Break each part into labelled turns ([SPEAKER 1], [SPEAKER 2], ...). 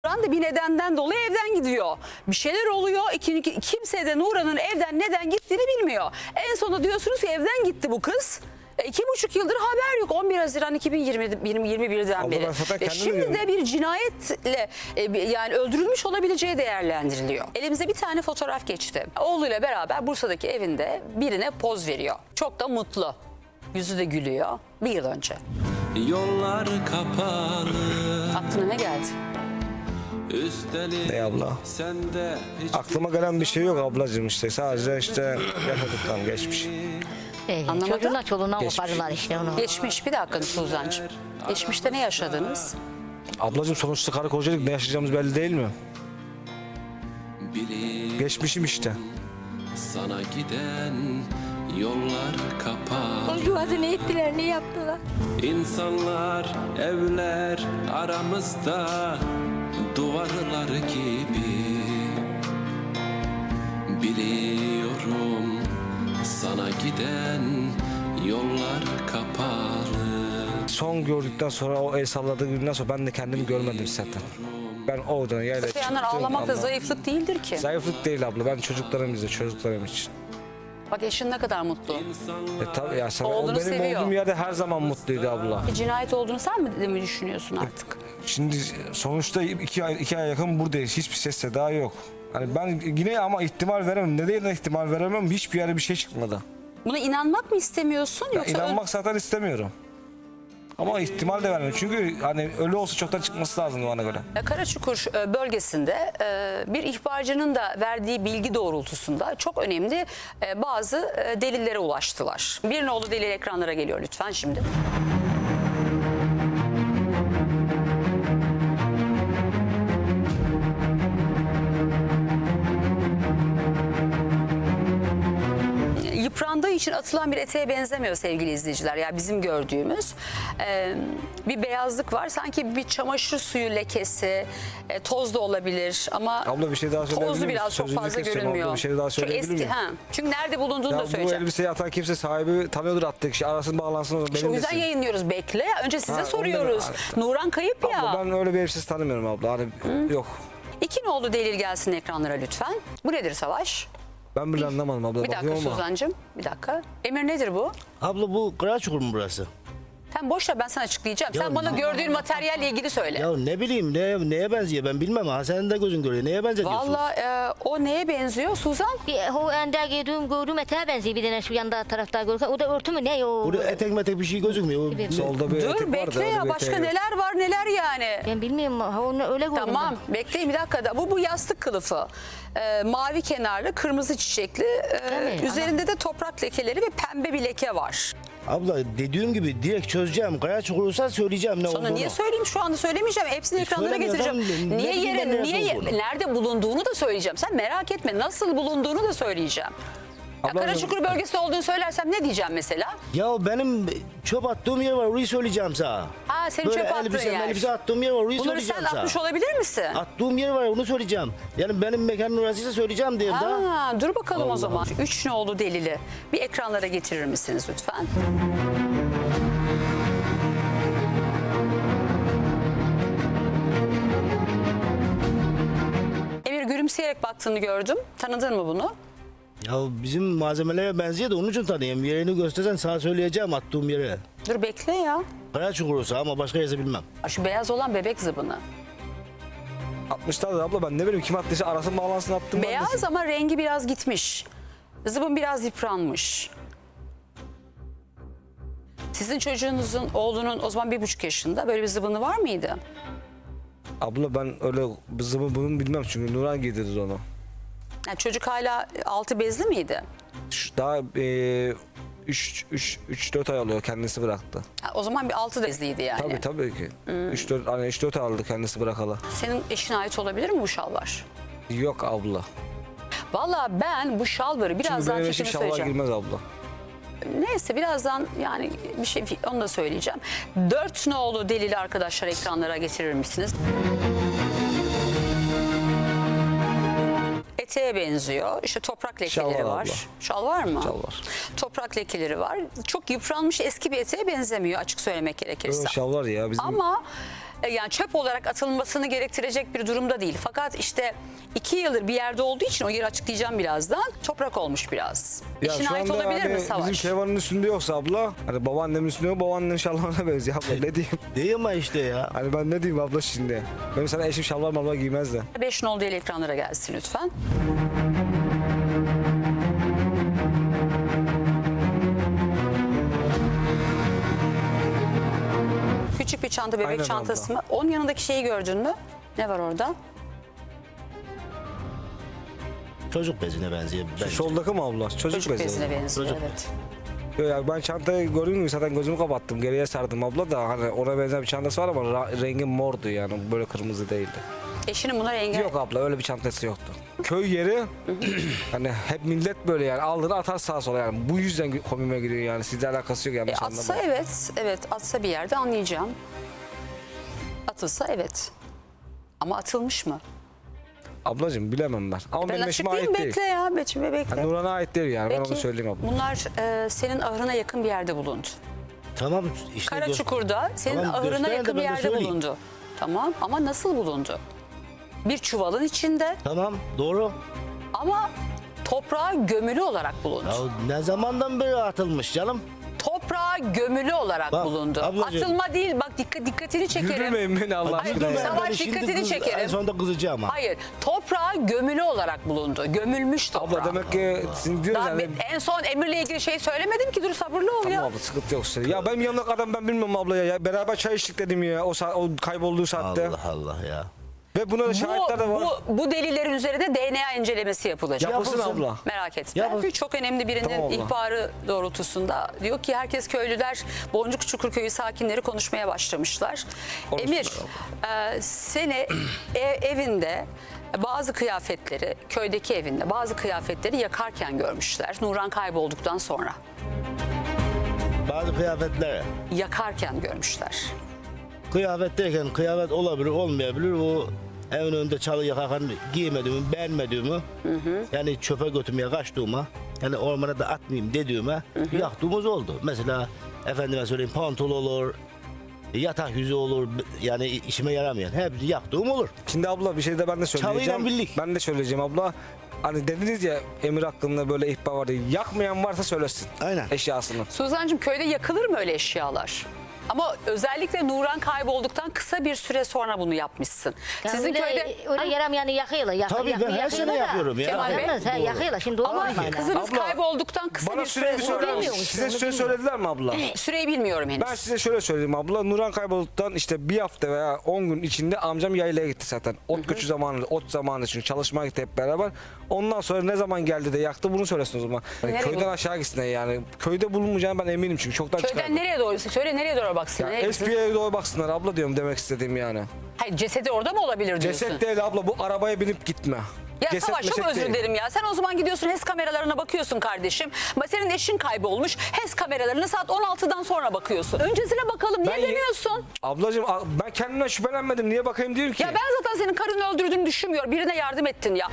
[SPEAKER 1] Nurhan da bir nedenden dolayı evden gidiyor. Bir şeyler oluyor. Kimse de Nurhan'ın evden neden gittiğini bilmiyor. En sonunda diyorsunuz ki evden gitti bu kız. 2,5 yıldır haber yok. 11 Haziran 2021'den beri. Şimdi de bir cinayetle yani öldürülmüş olabileceği değerlendiriliyor. Elimize bir tane fotoğraf geçti. Oğluyla beraber Bursa'daki evinde birine poz veriyor. Çok da mutlu. Yüzü de gülüyor. Bir yıl önce.
[SPEAKER 2] Yollar kapalı.
[SPEAKER 1] Aklına ne geldi?
[SPEAKER 2] Üstelik
[SPEAKER 3] Ne abla?
[SPEAKER 2] sende hiç
[SPEAKER 3] Aklıma gelen bir şey yok ablacığım işte. Sadece işte yaşadıktan geçmiş.
[SPEAKER 1] Anlamadım.
[SPEAKER 4] Çocuğuna çoluğuna
[SPEAKER 3] Geçmiş.
[SPEAKER 4] kopardılar işte onu.
[SPEAKER 1] Geçmiş bir dakika Suzan'cığım. Geçmişte ne yaşadınız?
[SPEAKER 3] Ablacığım sonuçta karı kocalık, ne yaşayacağımız belli değil mi?
[SPEAKER 2] bilip
[SPEAKER 3] Geçmişim işte.
[SPEAKER 2] sana giden yollar kapalı.
[SPEAKER 4] Çocuğu ne ettiler, ne yaptılar?
[SPEAKER 2] İnsanlar, evler aramızda duvarlar gibi. Biliyorum sana giden yollar kapalı.
[SPEAKER 3] Son gördükten sonra, o el salladığı günden sonra ben de kendimi görmedim zaten. Ben oradan yayla
[SPEAKER 1] Öte yandan ağlamak da zayıflık değildir ki.
[SPEAKER 3] Zayıflık değil abla. Ben çocuklarım için, çocuklarım için.
[SPEAKER 1] Bak eşin ne kadar mutlu.
[SPEAKER 3] Tabii ya, sen, o
[SPEAKER 1] Oğlunu
[SPEAKER 3] benim
[SPEAKER 1] seviyor.
[SPEAKER 3] olduğum yerde her zaman mutluydu abla.
[SPEAKER 1] Bir cinayet olduğunu sen mi düşünüyorsun artık?
[SPEAKER 3] Şimdi sonuçta 2 ay yakın buradayız. Hiçbir ses seda yok. Hani ben yine ama ihtimal veremem. Neden ihtimal veremem? Hiçbir yere bir şey çıkmadı.
[SPEAKER 1] Buna inanmak mı istemiyorsun
[SPEAKER 3] Ya
[SPEAKER 1] yoksa
[SPEAKER 3] inanmak zaten istemiyorum. Ama ihtimal de vermiyorum. Çünkü hani ölü olsa çoktan çıkması lazım bana göre.
[SPEAKER 1] Karaçukur bölgesinde bir ihbarcının da verdiği bilgi doğrultusunda çok önemli bazı delillere ulaştılar. Bir nolu delil ekranlara geliyor lütfen şimdi. Yıprandığı için atılan bir eteğe benzemiyor sevgili izleyiciler. Ya bizim gördüğümüz bir beyazlık var. Sanki bir çamaşır suyu lekesi, toz da olabilir ama
[SPEAKER 3] Abla bir şey daha söyleyebilir
[SPEAKER 1] tozlu
[SPEAKER 3] miyim?
[SPEAKER 1] biraz çok
[SPEAKER 3] Sözünüzü
[SPEAKER 1] fazla
[SPEAKER 3] kesiyorum abla,
[SPEAKER 1] görünmüyor.
[SPEAKER 3] bir şey daha
[SPEAKER 1] Çok
[SPEAKER 3] söyleyebilir
[SPEAKER 1] eski,
[SPEAKER 3] miyim?
[SPEAKER 1] Çünkü nerede bulunduğunu
[SPEAKER 3] Ya
[SPEAKER 1] da
[SPEAKER 3] bu
[SPEAKER 1] söyleyeceğim.
[SPEAKER 3] elbiseyi atan kimse sahibi tanıyordur, attığı kişi arasın bağlansın.
[SPEAKER 1] İşte o yüzden yayınlıyoruz. Bekle. Önce size soruyoruz. Nurhan kayıp ya.
[SPEAKER 3] Abla ben öyle bir elbisesi tanımıyorum abla. Hani yok.
[SPEAKER 1] İki nolu delil gelsin ekranlara lütfen. Bu nedir Savaş?
[SPEAKER 3] Ben bile anlamadım abla.
[SPEAKER 1] Bir dakika
[SPEAKER 3] Bakıyorum ama.
[SPEAKER 1] Suzan'cığım. Bir dakika. Emir nedir bu?
[SPEAKER 5] Abla bu Karaçukur mu burası?
[SPEAKER 1] Sen boş ver, ben sana açıklayacağım.
[SPEAKER 5] Ya
[SPEAKER 1] Sen bana gördüğün materyalle ilgili söyle.
[SPEAKER 5] Ya ne bileyim neye benziyor ben bilmem ha, senin de gözün görüyor. Neye benzetiyorsun?
[SPEAKER 1] Valla o neye benziyor Suzan?
[SPEAKER 4] O ende gördüğüm eteğe benziyor bir tane şu yanda tarafta görürken. O da örtü mü ne o?
[SPEAKER 5] Burada etek metek bir şey gözükmüyor.
[SPEAKER 4] Evet.
[SPEAKER 3] Solda bir etek
[SPEAKER 1] Dur
[SPEAKER 3] var da
[SPEAKER 1] bekle
[SPEAKER 3] öyle
[SPEAKER 1] ya,
[SPEAKER 3] bir
[SPEAKER 1] başka
[SPEAKER 3] eteği yok.
[SPEAKER 1] neler var neler yani.
[SPEAKER 4] Ben bilmiyorum onu öyle gördüm.
[SPEAKER 1] Tamam bekleyin bir dakika da. Bu yastık kılıfı. Mavi kenarlı, kırmızı çiçekli.
[SPEAKER 4] Tabii,
[SPEAKER 1] Üzerinde de toprak lekeleri ve pembe bir leke var.
[SPEAKER 5] Abla dediğim gibi direkt çözeceğim. Karaçukur olsa söyleyeceğim ne
[SPEAKER 1] Sana
[SPEAKER 5] olduğunu.
[SPEAKER 1] niye söyleyeyim, şu anda söylemeyeceğim. Hepsini ekranlara
[SPEAKER 5] söylemiyorsan
[SPEAKER 1] getireceğim.
[SPEAKER 5] ne
[SPEAKER 1] Niye
[SPEAKER 5] bileyim ben neresi olduğunu.
[SPEAKER 1] nerede bulunduğunu da söyleyeceğim. Sen merak etme, nasıl bulunduğunu da söyleyeceğim. Ya
[SPEAKER 3] Ablacığım-
[SPEAKER 1] Karaçukur bölgesinde olduğunu söylersem ne diyeceğim mesela?
[SPEAKER 5] Ya benim çöp attığım yer var, orayı söyleyeceğim sana.
[SPEAKER 1] Ha, senin çöp attığın yer.
[SPEAKER 5] Elbise attığım yer var, orayı
[SPEAKER 1] Bunları
[SPEAKER 5] söyleyeceğim
[SPEAKER 1] sen
[SPEAKER 5] sana.
[SPEAKER 1] atmış olabilir misin?
[SPEAKER 5] Attığım yer var, onu söyleyeceğim. Yani benim mekanın orasıysa söyleyeceğim diye da.
[SPEAKER 1] Ha, dur bakalım o
[SPEAKER 5] Allah
[SPEAKER 1] zaman. 3 nolu delili bir ekranlara getirir misiniz lütfen? Emir gülümseyerek baktığını gördüm. Tanıdın mı bunu?
[SPEAKER 5] Ya bizim malzemelere benziyor da onun için tanıyayım. Yerini göstersen sana söyleyeceğim attığım yere.
[SPEAKER 1] Dur bekle ya.
[SPEAKER 5] Karaçukur olsa ama başka yerse bilmem.
[SPEAKER 1] Şu beyaz olan bebek zıbını.
[SPEAKER 3] 60'lar da abla, ben ne bileyim kim attıysa arasın bağlansın attım. ben de.
[SPEAKER 1] Beyaz ama rengi biraz gitmiş. Zıbın biraz yıpranmış. Sizin çocuğunuzun, oğlunun o zaman 1,5 yaşında böyle bir zıbını var mıydı?
[SPEAKER 3] Abla ben öyle zıbı bunu bilmem çünkü Nurhan giydirdi onu.
[SPEAKER 1] Yani çocuk hala altı bezli miydi?
[SPEAKER 3] Daha 3-4 ay oluyor kendisi bıraktı.
[SPEAKER 1] Ha, o zaman bir altı bezliydi yani.
[SPEAKER 3] Tabii ki. 3-4 ay aldı kendisi bırakalı.
[SPEAKER 1] Senin eşine ait olabilir mi bu şalvar?
[SPEAKER 3] Yok abla.
[SPEAKER 1] Vallahi ben bu şalvarı
[SPEAKER 3] Çünkü
[SPEAKER 1] birazdan
[SPEAKER 3] benim eşim
[SPEAKER 1] fikrimi
[SPEAKER 3] şalvar
[SPEAKER 1] söyleyeceğim.
[SPEAKER 3] girmez abla.
[SPEAKER 1] Neyse birazdan yani bir şey onu da söyleyeceğim. 4 nolu delili arkadaşlar ekranlara getirir misiniz? Eteğe benziyor. İşte toprak lekeleri
[SPEAKER 3] Şal var
[SPEAKER 1] var.
[SPEAKER 3] abla.
[SPEAKER 1] Şal var mı?
[SPEAKER 3] Şal var.
[SPEAKER 1] Toprak lekeleri var. Çok yıpranmış eski bir eteğe benzemiyor açık söylemek gerekirse.
[SPEAKER 3] Şalvar ya bizim.
[SPEAKER 1] Ama yani çöp olarak atılmasını gerektirecek bir durumda değil. Fakat işte 2 yıldır bir yerde olduğu için o yeri açıklayacağım birazdan. Toprak olmuş biraz. Eşine ait olabilir mi Savaş?
[SPEAKER 3] Bizim Şevval'in üstünde yoksa abla, hani babaannemin üstünde yok, babaannenin şalvarına benziyor abla, ne diyeyim?
[SPEAKER 5] Değil mi işte ya?
[SPEAKER 3] Hani ben ne diyeyim abla şimdi? Benim sana eşim şalvar malvar giymez de.
[SPEAKER 1] 5 nol değil ekranlara gelsin lütfen. Küçük bir çanta, bebek
[SPEAKER 3] Aynen
[SPEAKER 1] çantası mı? Onun yanındaki şeyi gördün mü? Ne var orada?
[SPEAKER 5] Çocuk bezine benziyor. bence.
[SPEAKER 3] Soldaki mi abla? Çocuk bezi.
[SPEAKER 1] bezine benziyor,
[SPEAKER 5] Çocuk
[SPEAKER 1] evet.
[SPEAKER 3] Yok ya, ben çantayı gördüğüm gibi zaten gözümü kapattım. Geriye sardım abla da, hani ona benzer bir çantası var ama rengi mordu, yani böyle kırmızı değildi.
[SPEAKER 1] Eşinin buna rengi...
[SPEAKER 3] Yok abla, öyle bir çantası yoktu. Köy yeri hani hep millet böyle yani aldığını atar sağa sola, yani bu yüzden komime giriyor, yani sizle alakası yok, yanlış
[SPEAKER 1] Atsa
[SPEAKER 3] anlamayın.
[SPEAKER 1] evet, atsa bir yerde anlayacağım. Atılsa evet. Ama atılmış mı?
[SPEAKER 3] Ablacığım bilemem ben. Ama
[SPEAKER 1] Ben
[SPEAKER 3] benim eşime
[SPEAKER 1] açıklayayım,
[SPEAKER 3] ait değil.
[SPEAKER 1] bekle ya, bekle.
[SPEAKER 3] Yani Nurhan'a ait değil yani, ben
[SPEAKER 1] Peki,
[SPEAKER 3] onu söyleyeyim abla.
[SPEAKER 1] bunlar senin ahırına yakın bir yerde bulundu.
[SPEAKER 5] Tamam işte.
[SPEAKER 1] Karaçukur'da senin
[SPEAKER 5] Tamam,
[SPEAKER 1] ahırına
[SPEAKER 5] göster de
[SPEAKER 1] yakın bir
[SPEAKER 5] ben de
[SPEAKER 1] yerde
[SPEAKER 5] söyleyeyim.
[SPEAKER 1] bulundu. Tamam, ama nasıl bulundu? Bir çuvalın içinde
[SPEAKER 5] Tamam doğru.
[SPEAKER 1] ama toprağa gömülü olarak bulundu.
[SPEAKER 5] Ya ne zamandan beri atılmış canım?
[SPEAKER 1] Toprağa gömülü olarak
[SPEAKER 5] Bak,
[SPEAKER 1] bulundu.
[SPEAKER 5] ablacığım.
[SPEAKER 1] Atılma değil, bak dikkatini çekerim.
[SPEAKER 3] Yürümeyin beni Allah
[SPEAKER 1] Hayır,
[SPEAKER 3] aşkına
[SPEAKER 1] dur,
[SPEAKER 3] ya.
[SPEAKER 1] Savaş,
[SPEAKER 5] şimdi
[SPEAKER 1] dikkatini çekerim.
[SPEAKER 5] En sonunda kızacağım ha.
[SPEAKER 1] Hayır, toprağa gömülü olarak bulundu. Gömülmüş toprağa.
[SPEAKER 3] Abla demek ki sizin diyoruz
[SPEAKER 1] Daha
[SPEAKER 3] yani.
[SPEAKER 1] en son Emir'le ilgili şey söylemedim ki, dur sabırlı ol ya.
[SPEAKER 3] Tamam abla, sıkıntı yok senin. Ya benim yanımdaki adam, ben bilmiyorum abla ya. Beraber çay içtik dedim ya o, o kaybolduğu saatte.
[SPEAKER 5] Allah Allah ya.
[SPEAKER 3] Ve buna da şahitler de var.
[SPEAKER 1] Bu delillerin üzerine DNA incelemesi yapılacak.
[SPEAKER 3] Yapılsın abla.
[SPEAKER 1] Merak etme.
[SPEAKER 5] Yapılsın.
[SPEAKER 1] Çok önemli birinin
[SPEAKER 3] Tamam abla.
[SPEAKER 1] ihbarı doğrultusunda diyor ki herkes, köylüler, Boncuk Çukurköyü sakinleri konuşmaya başlamışlar.
[SPEAKER 3] Konuşsunlar
[SPEAKER 1] Emir, seni evinde bazı kıyafetleri, köydeki evinde bazı kıyafetleri yakarken görmüşler. Nurhan kaybolduktan sonra
[SPEAKER 5] Bazı kıyafetler.
[SPEAKER 1] yakarken görmüşler.
[SPEAKER 5] Kıyafetteyken kıyafet olabilir olmayabilir. O evin önünde çalı yakarken giymediğimi, beğenmediğimi, yani çöpe götürmeye kaçtığıma, yani ormana da atmayayım dediğime yaktığımız oldu. Mesela efendime söyleyeyim pantol olur, yatak yüzü olur, yani işime yaramayan hepsi yaktığım olur.
[SPEAKER 3] Şimdi abla bir şey de ben de söyleyeceğim.
[SPEAKER 5] Çalıyla birlik.
[SPEAKER 3] Ben de söyleyeceğim abla. Hani dediniz ya Emir hakkında böyle ihbar vardı. Yakmayan varsa söylesin.
[SPEAKER 5] Aynen.
[SPEAKER 3] Eşyasını.
[SPEAKER 1] Suzan'cığım, köyde yakılır mı öyle eşyalar? Ama özellikle Nurhan kaybolduktan kısa bir süre sonra bunu yapmışsın.
[SPEAKER 4] Yani
[SPEAKER 1] Sizin
[SPEAKER 4] öyle,
[SPEAKER 1] köyde...
[SPEAKER 4] öyle yaramayanı yakıyorlar.
[SPEAKER 5] Tabii ben her sene yapıyorum ya.
[SPEAKER 1] Kemal Bey,
[SPEAKER 4] Yakıyorlar, yakıyorlar. Şimdi doğru
[SPEAKER 1] Ama
[SPEAKER 4] olmayın.
[SPEAKER 1] kızınız
[SPEAKER 3] Abla,
[SPEAKER 1] kaybolduktan kısa
[SPEAKER 3] Bana
[SPEAKER 1] bir
[SPEAKER 3] süreyi
[SPEAKER 1] süre
[SPEAKER 3] söyler
[SPEAKER 1] sonra...
[SPEAKER 3] misin? Size süre söylediler mi abla?
[SPEAKER 1] Süreyi bilmiyorum henüz.
[SPEAKER 3] Ben size şöyle söyleyeyim abla. Nurhan kaybolduktan işte bir hafta veya 10 gün içinde amcam yaylaya gitti zaten. Ot göçü zamanı, ot zamanı için çalışmaya gitti hep beraber. Ondan sonra ne zaman geldi de yaktı, bunu söylesin o zaman. Yani
[SPEAKER 1] Nereye
[SPEAKER 3] köyden
[SPEAKER 1] bu-
[SPEAKER 3] aşağı gitsin yani. Köyde bulunmayacağını ben eminim çünkü çoktan
[SPEAKER 1] Köyden
[SPEAKER 3] çıkardı.
[SPEAKER 1] nereye doğru? Söyle, nereye doğru baksın?
[SPEAKER 3] Ya
[SPEAKER 1] Nereye gitsin?
[SPEAKER 3] SP'ye doğru baksınlar abla diyorum, demek istediğim yani.
[SPEAKER 1] Hayır, cesedi orada mı olabilir diyorsun?
[SPEAKER 3] Ceset değil abla, bu arabaya binip gitme.
[SPEAKER 1] Ya
[SPEAKER 3] Ceset
[SPEAKER 1] Savaş, çok
[SPEAKER 3] meset
[SPEAKER 1] özür
[SPEAKER 3] değil.
[SPEAKER 1] dilerim ya. Sen o zaman gidiyorsun HES kameralarına bakıyorsun kardeşim. Ama senin eşin kaybolmuş. HES kameralarına saat 16'dan sonra bakıyorsun. Öncesine bakalım. Niye
[SPEAKER 3] Ben-
[SPEAKER 1] demiyorsun?
[SPEAKER 3] Ablacığım ben kendimden şüphelenmedim. Niye bakayım diyorum ki?
[SPEAKER 1] Ya ben zaten senin karını öldürdüğünü düşünmüyor. Birine yardım ettin ya.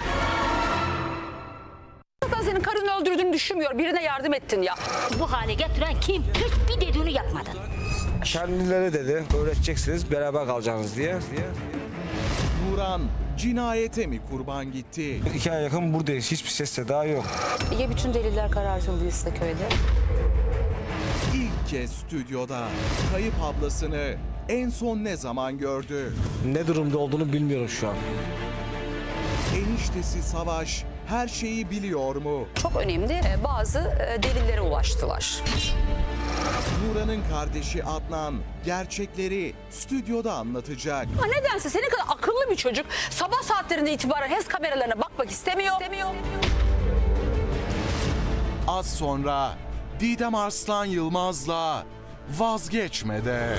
[SPEAKER 1] Zaten senin karını öldürdüğünü düşünmüyor. Birine yardım ettin ya.
[SPEAKER 4] Bu hale getiren kim? Hiçbir dediğini yapmadın.
[SPEAKER 3] Kendileri dedi öğreteceksiniz, beraber kalacaksınız diye.
[SPEAKER 6] Nurhan cinayete mi kurban gitti?
[SPEAKER 3] 2 ay yakın buradayız. Hiçbir ses seda yok.
[SPEAKER 1] Ya bütün deliller karartıldıysa köyde?
[SPEAKER 6] İlk kez stüdyoda kayıp ablasını en son ne zaman gördü?
[SPEAKER 3] Ne durumda olduğunu bilmiyorum şu an.
[SPEAKER 6] Eniştesi Savaş her şeyi biliyor mu?
[SPEAKER 1] Çok önemli bazı delillere ulaştılar.
[SPEAKER 6] Nurhan'ın kardeşi Adnan gerçekleri stüdyoda anlatacak.
[SPEAKER 1] Ama nedense senin kadar akıllı bir çocuk sabah saatlerinde itibaren HES kameralarına bakmak istemiyor.
[SPEAKER 6] Az sonra Didem Arslan Yılmaz'la Vazgeçmede.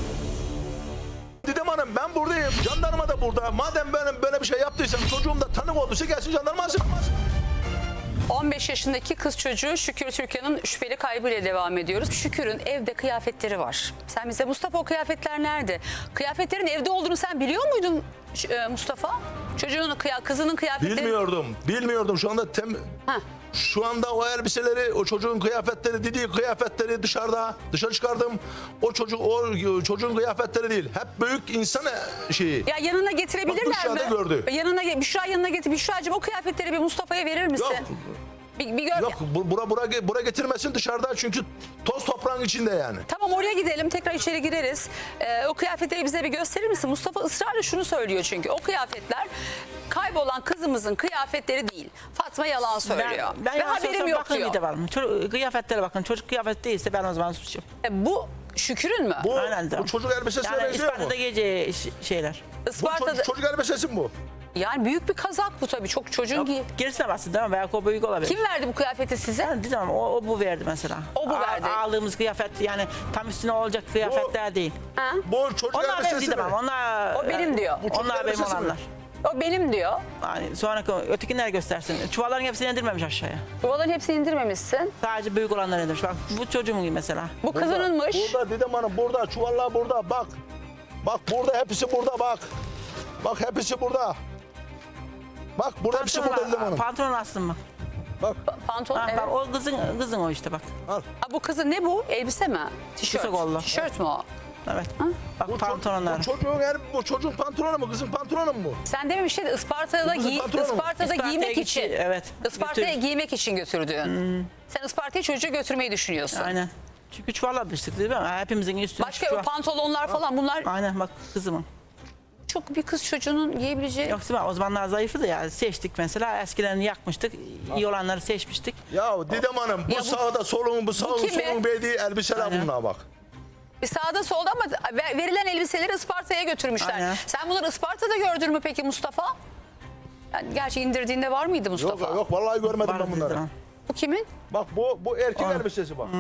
[SPEAKER 7] Didem Hanım, ben buradayım. Jandarma da burada. Madem benim böyle bir şey yaptıysam, çocuğum da tanık olduysa gelsin jandarma alsın.
[SPEAKER 1] 15 yaşındaki kız çocuğu Şükür Türkan'ın şüpheli kaybıyla devam ediyoruz. Şükür'ün evde kıyafetleri var. Sen bize, Mustafa, o kıyafetler nerede? Kıyafetlerin evde olduğunu sen biliyor muydun Mustafa? Çocuğun kızının kıyafetleri...
[SPEAKER 7] Bilmiyordum. Şu anda Şu anda o elbiseleri, o çocuğun kıyafetleri, dediği kıyafetleri dışarı çıkardım. O çocuğun kıyafetleri değil. Hep büyük insan şeyi.
[SPEAKER 1] Ya yanına getirebilirler
[SPEAKER 7] Bak, Büşra
[SPEAKER 1] mi?
[SPEAKER 7] da gördü.
[SPEAKER 1] Büşra yanına getir. Büşra'cığım o kıyafetleri bir Mustafa'ya verir misin?
[SPEAKER 7] Yok.
[SPEAKER 1] Bir gör.
[SPEAKER 7] Yok, bura getirmesin dışarıda çünkü toz toprağın içinde yani.
[SPEAKER 1] Tamam oraya gidelim tekrar içeri gireriz. O kıyafetleri bize bir gösterir misin? Mustafa ısrarla şunu söylüyor çünkü o kıyafetler kaybolan kızımızın kıyafetleri değil. Fatma yalan söylüyor.
[SPEAKER 8] Ben
[SPEAKER 1] Ve
[SPEAKER 8] yalan
[SPEAKER 1] haberim
[SPEAKER 8] söylesem
[SPEAKER 1] yok
[SPEAKER 8] bakın
[SPEAKER 1] diyor.
[SPEAKER 8] bir de var mı? Kıyafetlere bakın. Çocuk kıyafeti değilse ben o zaman suçum.
[SPEAKER 1] Bu Şükür'ün mü?
[SPEAKER 8] Aynen de.
[SPEAKER 7] Bu çocuk elbisesine
[SPEAKER 8] Yani
[SPEAKER 7] benziyor mu?
[SPEAKER 8] Isparta'da giyeceği şeyler.
[SPEAKER 7] Bu
[SPEAKER 1] Isparta'da
[SPEAKER 7] çocuk elbisesi mi bu?
[SPEAKER 1] yani büyük bir kazak bu tabii. Çok çocuğun giy.
[SPEAKER 8] Gerisine baksın değil mi? Belki o büyük olabilir.
[SPEAKER 1] Kim verdi bu kıyafeti size?
[SPEAKER 8] Yani diyeceğim, o bu verdi mesela.
[SPEAKER 1] O bu verdi.
[SPEAKER 8] Aldığımız kıyafet yani tam üstüne olacak kıyafetler değil.
[SPEAKER 1] Ha?
[SPEAKER 7] Bu çocuk
[SPEAKER 8] Onlar benim
[SPEAKER 7] elbisesi mi?
[SPEAKER 8] diyemem. Onlar,
[SPEAKER 1] O benim diyor.
[SPEAKER 7] Bu çocuk
[SPEAKER 8] Onlar benim
[SPEAKER 7] elbisesi mi?
[SPEAKER 8] olanlar.
[SPEAKER 1] O benim diyor.
[SPEAKER 8] Yani sonraki ötekiler göstersin. Çuvalların hepsini indirmemiş aşağıya.
[SPEAKER 1] Yuvaların hepsini indirmemişsin.
[SPEAKER 8] Sadece büyük olanlar indirmiş. Bak bu çocuğumun gibi mesela.
[SPEAKER 1] Bu kızınınmış.
[SPEAKER 7] Burada Didem Hanım, burada çuvallar burada bak. Bak burada hepsi burada bak. Bak hepsi burada. Bak burada hepsi burada Didem Hanım.
[SPEAKER 8] Pantolon astım mı?
[SPEAKER 7] Bak
[SPEAKER 1] Pantolon.
[SPEAKER 8] Ha,
[SPEAKER 1] Evet.
[SPEAKER 8] bak o kızın o işte bak.
[SPEAKER 7] al.
[SPEAKER 1] Ha, bu kızın ne bu? Elbise mi? Tişört.
[SPEAKER 8] Kısa kollu.
[SPEAKER 1] Tişört mü o?
[SPEAKER 8] Evet. Bak pantolonlar.
[SPEAKER 7] Bu çocuğun pantolonu mu? Kızın pantolonu mu bu?
[SPEAKER 1] Sen dememiştin Isparta'da,
[SPEAKER 7] Kızın pantolonu mu?
[SPEAKER 1] Isparta'da giymek
[SPEAKER 8] gitti,
[SPEAKER 1] için.
[SPEAKER 8] evet.
[SPEAKER 1] Isparta'ya
[SPEAKER 8] Götür.
[SPEAKER 1] giymek için götürdün. Sen Isparta'ya çocuğu götürmeyi düşünüyorsun.
[SPEAKER 8] Aynen. Çünkü çuvala düştük değil mi? Hepimizin üstüne
[SPEAKER 1] Başka
[SPEAKER 8] çuval.
[SPEAKER 1] o pantolonlar falan bunlar
[SPEAKER 8] Aynen bak kızımın.
[SPEAKER 1] çok bir kız çocuğunun giyebileceği.
[SPEAKER 8] Yoksa o zamanlar zayıfı da ya seçtik mesela eskilerini yakmıştık. İyi olanları seçmiştik.
[SPEAKER 7] Ya Didem Hanım bu
[SPEAKER 1] Ya bu-
[SPEAKER 7] sağda solun bu sağın
[SPEAKER 1] kimi?
[SPEAKER 7] solun verdiği elbiseler
[SPEAKER 8] Aynen.
[SPEAKER 7] bunlar bak.
[SPEAKER 1] Bir sağda solda ama verilen elbiseleri Isparta'ya götürmüşler.
[SPEAKER 8] Aynen.
[SPEAKER 1] Sen bunları Isparta'da gördün mü peki Mustafa? Yani gerçi indirdiğinde var mıydı Mustafa?
[SPEAKER 7] Yok yok vallahi görmedim
[SPEAKER 8] Vardı
[SPEAKER 7] ben bunları.
[SPEAKER 8] dedim.
[SPEAKER 1] Bu kimin?
[SPEAKER 7] Bak bu erkek elbisesi bak.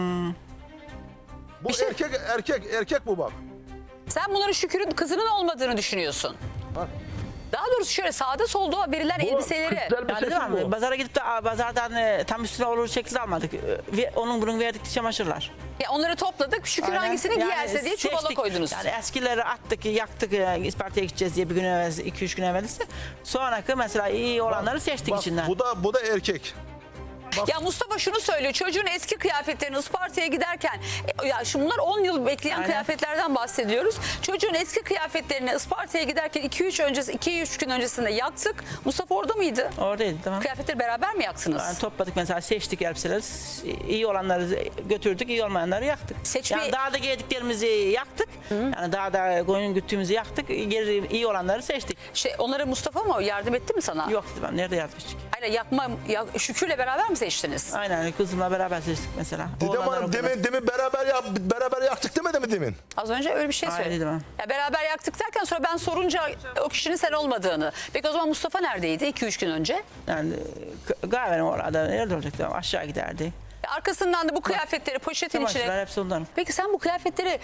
[SPEAKER 7] Bu
[SPEAKER 1] Bir şey-
[SPEAKER 7] erkek bu bak.
[SPEAKER 1] Sen bunların Şükür'ün kızının olmadığını düşünüyorsun.
[SPEAKER 7] Bak.
[SPEAKER 1] Daha doğrusu şöyle sağda solda verilen
[SPEAKER 7] Bu
[SPEAKER 1] elbiseleri.
[SPEAKER 7] kız elbisesi
[SPEAKER 8] Yani değil mi?
[SPEAKER 7] bu.
[SPEAKER 8] Pazara gidip de pazardan tam üstüne olur şekilde almadık. Onun bunun verdikleri çamaşırlar.
[SPEAKER 1] Ya onları topladık. Şükür
[SPEAKER 8] Aynen.
[SPEAKER 1] hangisini
[SPEAKER 8] Yani
[SPEAKER 1] giyerse diye çuvala
[SPEAKER 8] seçtik.
[SPEAKER 1] koydunuz.
[SPEAKER 8] Yani eskileri attık, yaktık, Isparta'ya gideceğiz diye bir gün evvel, 2-3 gün evvelisi. Sonraki mesela iyi olanları seçtik
[SPEAKER 7] Bak,
[SPEAKER 8] içinden.
[SPEAKER 7] bu da erkek.
[SPEAKER 1] Ya Mustafa şunu söylüyor. Çocuğun eski kıyafetlerini Isparta'ya giderken ya şu bunlar 10 yıl bekleyen
[SPEAKER 8] Aynen.
[SPEAKER 1] kıyafetlerden bahsediyoruz. Çocuğun eski kıyafetlerini Isparta'ya giderken 2-3 gün öncesinde yaktık. Mustafa orada mıydı?
[SPEAKER 8] Oradaydı tamam.
[SPEAKER 1] Kıyafetleri beraber mi yaktınız?
[SPEAKER 8] Yani topladık mesela seçtik elbiseleri. İyi olanları götürdük, iyi olmayanları yaktık.
[SPEAKER 1] Seçme-
[SPEAKER 8] Yani dağda giydiklerimizi yaktık. Yani dağda koyun güttüğümüzü yaktık. Geri iyi olanları seçtik.
[SPEAKER 1] Onlara Mustafa mı yardım etti mi sana?
[SPEAKER 8] Yok dedim nerede yazmıştık.
[SPEAKER 1] Hayır Şükür'le beraber mi seçtiniz?
[SPEAKER 8] Aynen kızımla beraber seçtik mesela.
[SPEAKER 7] Didem
[SPEAKER 8] Oğlanlar
[SPEAKER 7] Hanım
[SPEAKER 8] okulda.
[SPEAKER 7] demin beraber yaktık demedi mi demin?
[SPEAKER 1] Az önce öyle bir şey
[SPEAKER 8] Hayır,
[SPEAKER 1] söyledim.
[SPEAKER 8] dedim.
[SPEAKER 1] Ya beraber yaktık derken sonra ben sorunca o kişinin sen olmadığını. Peki o zaman Mustafa neredeydi 2-3 gün önce?
[SPEAKER 8] Yani galiba orada nerede olacaktı? Aşağı giderdi.
[SPEAKER 1] Arkasından da bu kıyafetleri poşetin içine...
[SPEAKER 8] Çamaşırlar hepsi ondan.
[SPEAKER 1] Peki sen bu kıyafetleri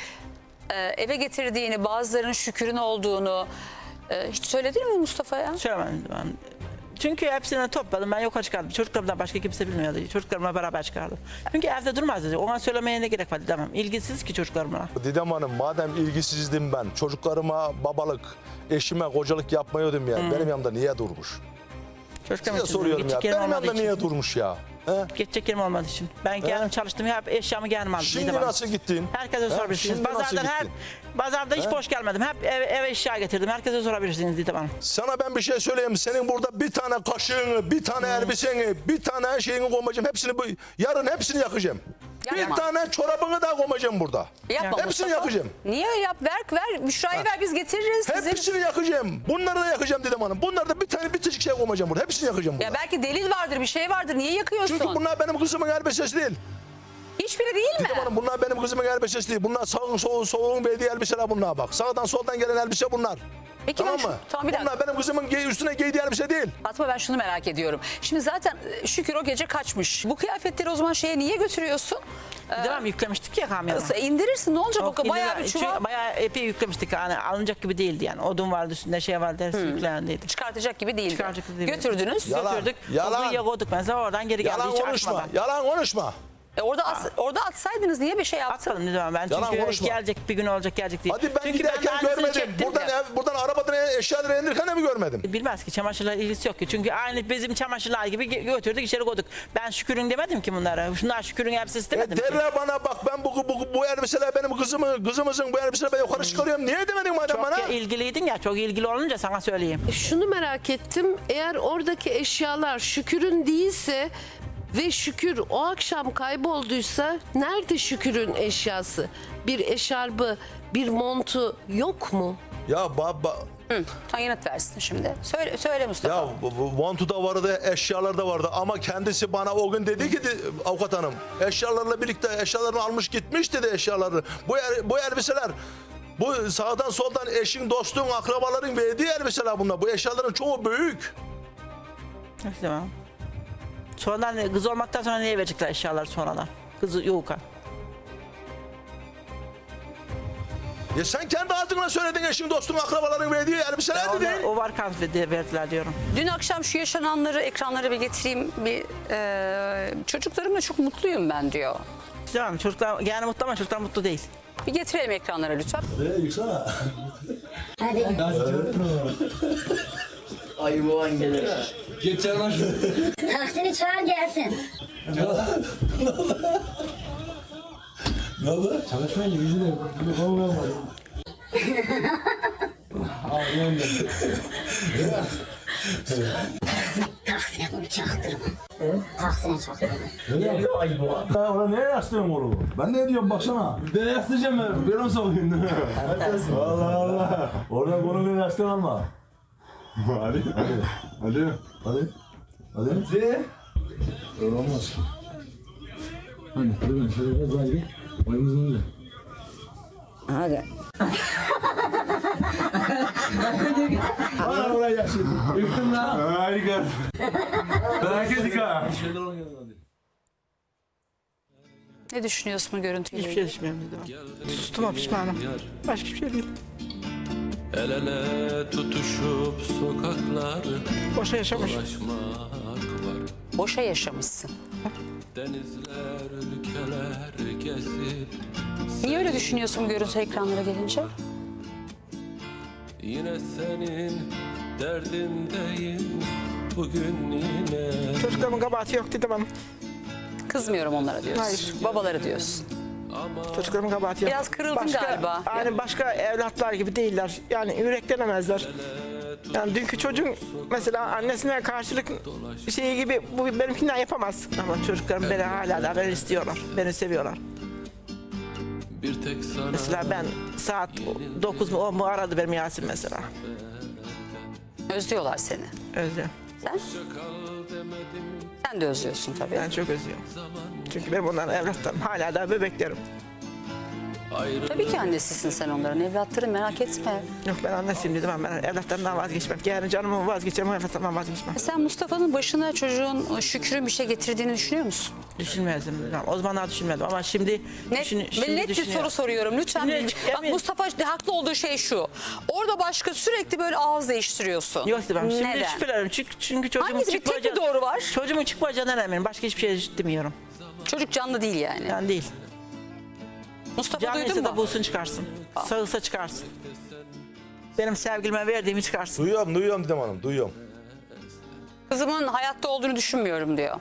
[SPEAKER 1] eve getirdiğini, bazılarının Şükür'ün olduğunu hiç söyledin mi Mustafa'ya?
[SPEAKER 8] Söylemedim ben. Çünkü hepsini topladım. Ben yukarı çıkardım. Çocuklarımdan başka kimse bilmiyordu. Çocuklarımla beraber çıkardım. Çünkü evde durmaz dedi. Ona söylemeye ne gerek var demem. İlgisiz ki çocuklarımla.
[SPEAKER 7] Didem Hanım madem ilgisizdim ben çocuklarıma babalık, eşime kocalık yapmayıyordum ya. Benim yanımda niye durmuş?
[SPEAKER 8] Çocuklarım
[SPEAKER 7] Size
[SPEAKER 8] için
[SPEAKER 7] soruyorum ya.
[SPEAKER 8] gidecek
[SPEAKER 7] Benim
[SPEAKER 8] yerim olmadığı
[SPEAKER 7] yanımda
[SPEAKER 8] için.
[SPEAKER 7] niye durmuş ya? He?
[SPEAKER 8] Geçecek yerim olmadığı için. Ben geldim çalıştım. Hep eşyamı geldim aldım.
[SPEAKER 7] Şimdi
[SPEAKER 8] Didem Hanım.
[SPEAKER 7] nasıl gittin?
[SPEAKER 8] Herkese
[SPEAKER 7] He?
[SPEAKER 8] sorabilirsiniz.
[SPEAKER 7] Şimdi nasıl
[SPEAKER 8] Pazarda hiç boş gelmedim. Hep eve eşya getirdim. Herkese sorabilirsiniz Didem Hanım.
[SPEAKER 7] Sana ben bir şey söyleyeyim. Senin burada bir tane kaşığını, bir tane elbiseni, bir tane şeyini koymayacağım. Yarın hepsini yakacağım.
[SPEAKER 1] Yapma.
[SPEAKER 7] Bir tane çorabını da koymayacağım burada.
[SPEAKER 1] Yapma
[SPEAKER 7] Hepsini
[SPEAKER 1] Mustafa.
[SPEAKER 7] yakacağım.
[SPEAKER 1] Niye öyle yap? Ver. Büşra'yı ver biz getiririz. Sizin...
[SPEAKER 7] Hepsini yakacağım. Bunları da yakacağım Didem Hanım. Bunları da bir tık şey koymayacağım burada. Hepsini yakacağım burada.
[SPEAKER 1] Ya belki delil vardır, bir şey vardır. Niye yakıyorsun?
[SPEAKER 7] Çünkü bunlar benim kızımın elbisesi değil.
[SPEAKER 1] Hiçbiri değil mi?
[SPEAKER 7] Didem Hanım bunlar benim kızımın elbisesi değil. Bunlar sağın solun verdiği elbiseler bunlar bak. Sağdan soldan gelen elbise bunlar.
[SPEAKER 1] Peki
[SPEAKER 7] Tamam
[SPEAKER 1] ben
[SPEAKER 7] mı?
[SPEAKER 1] Tamam bir dakika.
[SPEAKER 7] Bunlar benim kızımın üstüne giydiği elbise değil.
[SPEAKER 1] Fatma ben şunu merak ediyorum. Şimdi zaten Şükür o gece kaçmış. Bu kıyafetleri o zaman şeye niye götürüyorsun?
[SPEAKER 8] Didem Hanım yüklemiştik ya kamyona.
[SPEAKER 1] İndirirsin ne olacak
[SPEAKER 8] Yok,
[SPEAKER 1] o bayağı bir çuval.
[SPEAKER 8] Bayağı epey yüklemiştik. Yani alınacak gibi değildi yani. Odun vardı üstünde şey vardı. Hepsi yüklendiydi.
[SPEAKER 1] Çıkartacak gibi değildi.
[SPEAKER 8] Çıkaracak gibi değildi.
[SPEAKER 1] Götürdünüz.
[SPEAKER 7] Yalan.
[SPEAKER 8] Götürdük.
[SPEAKER 7] Yalan.
[SPEAKER 8] O kuyuya koyduk mesela oradan geri geldi
[SPEAKER 7] Yalan
[SPEAKER 8] hiç
[SPEAKER 7] konuşma.
[SPEAKER 8] açmadan.
[SPEAKER 7] Yalan konuşma.
[SPEAKER 1] Orada atsaydınız niye bir şey yaptın?
[SPEAKER 8] Atmadım Didem Hanım ben
[SPEAKER 7] Yalan
[SPEAKER 8] çünkü
[SPEAKER 7] konuşma.
[SPEAKER 8] gelecek bir gün olacak gelecek diye.
[SPEAKER 7] Hadi ben
[SPEAKER 8] çünkü
[SPEAKER 7] giderken
[SPEAKER 8] aynısını
[SPEAKER 7] görmedim.
[SPEAKER 8] çektim
[SPEAKER 7] Buradan
[SPEAKER 8] ya.
[SPEAKER 7] buradan arabadan eşyaları indirirken de mi görmedim?
[SPEAKER 8] Bilmez ki çamaşırla ilgisi yok ki. Çünkü aynı bizim çamaşırlar gibi götürdük içeri koyduk. Ben Şükür'ün demedim ki bunlara. Şunlar Şükür'ün elbisesi demedim ki.
[SPEAKER 7] Derler bana bak ben bu elbiseler benim kızımızın bu elbiseleri ben yukarı çıkarıyorum. Niye demedin madem bana?
[SPEAKER 8] Çok ilgiliydin ya çok ilgili olunca sana söyleyeyim.
[SPEAKER 9] Şunu merak ettim. Eğer oradaki eşyalar Şükür'ün değilse ve Şükür o akşam kaybolduysa nerede Şükür'ün eşyası? Bir eşarbı, bir montu yok mu?
[SPEAKER 7] Ya baba
[SPEAKER 1] Sen yanıt versin şimdi. Söyle Mustafa.
[SPEAKER 7] ya montu da vardı, eşyalar da vardı ama kendisi bana o gün dedi ki avukat hanım eşyalarla birlikte eşyalarını almış gitmiş dedi eşyaları. Bu elbiseler bu sağdan soldan eşin, dostun, akrabaların verdiği elbiseler bunlar. Bu eşyaların çoğu büyük.
[SPEAKER 8] Tamam. Sonradan kız olmaktan sonra neye verecekler eşyalar sonradan? Kızı yoğuka.
[SPEAKER 7] Ya sen kendi ağzınla söyledin eşin, dostun, akrabaların verdiği elbiseler dedin.
[SPEAKER 8] O var kan diye verdiler diyorum.
[SPEAKER 1] Dün akşam şu yaşananları ekranlara bir getireyim. Çocuklarımla çok mutluyum ben diyor.
[SPEAKER 8] Tamam çocuklar yani mutlu ama çocuklar mutlu değil.
[SPEAKER 1] Bir getirelim ekranlara lütfen.
[SPEAKER 10] Taksini çağır gelsin. Taksine bunu çaktırma. Taksine çaktırma.
[SPEAKER 11] Orada neye yaslıyorsun oğlum? Ben ne diyorum baksana. Bir de yaslayacağım ben. Bir sokayım. Allah Allah. Orada konuyu yaslan alma. Hadi. Hadi. Hadi. Hadi. Öyle olmaz. Hadi. Hadi. Şöyle biraz daha gidelim. Oyunumuzun önce.
[SPEAKER 1] Hadi.
[SPEAKER 11] Bana oraya yaşayın. Yıktım lan. Harika. Herkes ha.
[SPEAKER 1] Ne düşünüyorsun bu görüntüyle?
[SPEAKER 8] Hiçbir şey düşünmüyorum dedim. Sustum pişmanım. Başka bir şey değil.
[SPEAKER 2] El ele tutuşup sokakları
[SPEAKER 8] Boşa yaşamış.
[SPEAKER 2] dolaşmak var.
[SPEAKER 1] Boşa yaşamışsın.
[SPEAKER 2] Denizler, ülkeler gezip
[SPEAKER 1] Niye öyle düşünüyorsun bu görüntü ekranlara gelince?
[SPEAKER 2] yine senin derdindeyim bugün yine.
[SPEAKER 8] Çocuklarımın kabahati yok dedim ama.
[SPEAKER 1] Kızmıyorum onlara diyorsun.
[SPEAKER 8] Hayır.
[SPEAKER 1] Babaları diyorsun.
[SPEAKER 8] Çocuklarımın kabahati yok.
[SPEAKER 1] Biraz kırıldın galiba.
[SPEAKER 8] Yani başka evlatlar gibi değiller. Yani yüreklenemezler. Yani dünkü çocuğun mesela annesine karşılık şeyi gibi bu benimkinden yapamaz. Ama çocuklarım beni hala da beni istiyorlar. Beni seviyorlar.
[SPEAKER 2] Bir tek sana
[SPEAKER 8] Mesela ben saat 9 mu 10 mu aradı benim Yasin mesela.
[SPEAKER 1] Özlüyorlar seni.
[SPEAKER 8] Özlüyorum.
[SPEAKER 1] Sen? Sen de özlüyorsun tabii.
[SPEAKER 8] Ben çok özlüyorum. Çünkü benim onların evlatlarım. Hala da bebeklerim.
[SPEAKER 1] Tabii ki annesisin sen onların. Evlatların merak etme.
[SPEAKER 8] Yok ben annesiyim dedim ama ben evlatlarımdan vazgeçmem. Yani canımı vazgeçeceğim ama evlatlarımdan vazgeçmem.
[SPEAKER 1] Sen Mustafa'nın başına çocuğun Şükrü'nün bir şey getirdiğini düşünüyor musun?
[SPEAKER 8] Düşünmezdim. O zamanlar düşünmedim ama şimdi
[SPEAKER 1] Net,
[SPEAKER 8] şimdi
[SPEAKER 1] net bir
[SPEAKER 8] düşünüyorum.
[SPEAKER 1] soru soruyorum lütfen.
[SPEAKER 8] Şimdi,
[SPEAKER 1] Bak Mustafa haklı olduğu şey şu. Orada başka sürekli böyle ağız değiştiriyorsun.
[SPEAKER 8] Yok demem. Şimdi
[SPEAKER 1] Neden?
[SPEAKER 8] şüphelerim. Çünkü çocuğumun
[SPEAKER 1] Hangisi bir tek bir doğru var?
[SPEAKER 8] Çocuğumun çıkmayacağından eminim. Başka hiçbir şey demiyorum.
[SPEAKER 1] Çocuk canlı değil yani.
[SPEAKER 8] Yani değil.
[SPEAKER 1] Mustafa duydun
[SPEAKER 8] Canlıysa da
[SPEAKER 1] mu?
[SPEAKER 8] bulsun çıkarsın. Sağılsa çıkarsın. Benim sevgilime verdiğimi çıkarsın.
[SPEAKER 7] Duyuyorum Didem Hanım, duyuyorum.
[SPEAKER 1] Kızımın hayatta olduğunu düşünmüyorum diyor.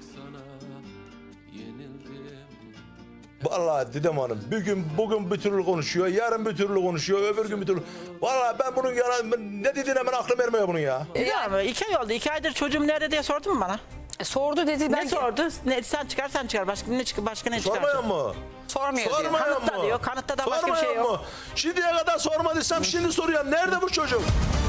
[SPEAKER 7] Vallahi Didem Hanım bugün bir türlü konuşuyor, yarın bir türlü konuşuyor, öbür gün bir türlü. Vallahi ben bunun ne dediğine hemen aklım ermiyor bunun ya.
[SPEAKER 8] Ya 2 ay oldu. 2 aydır çocuğum nerede diye sordun mu bana?
[SPEAKER 1] Sordu dedi.
[SPEAKER 8] Ne sordu? Ne, sen çıkar. Başka ne çıkar?
[SPEAKER 7] Sormayan mı?
[SPEAKER 1] Sormuyor diyor.
[SPEAKER 7] Sormayan
[SPEAKER 8] Kanıtta
[SPEAKER 7] mı?
[SPEAKER 8] diyor. Kanıtta da başka bir şey
[SPEAKER 7] Sormayan
[SPEAKER 8] yok.
[SPEAKER 7] mı? Şimdiye kadar sormadıysam şimdi soruyorum. Nerede bu çocuk?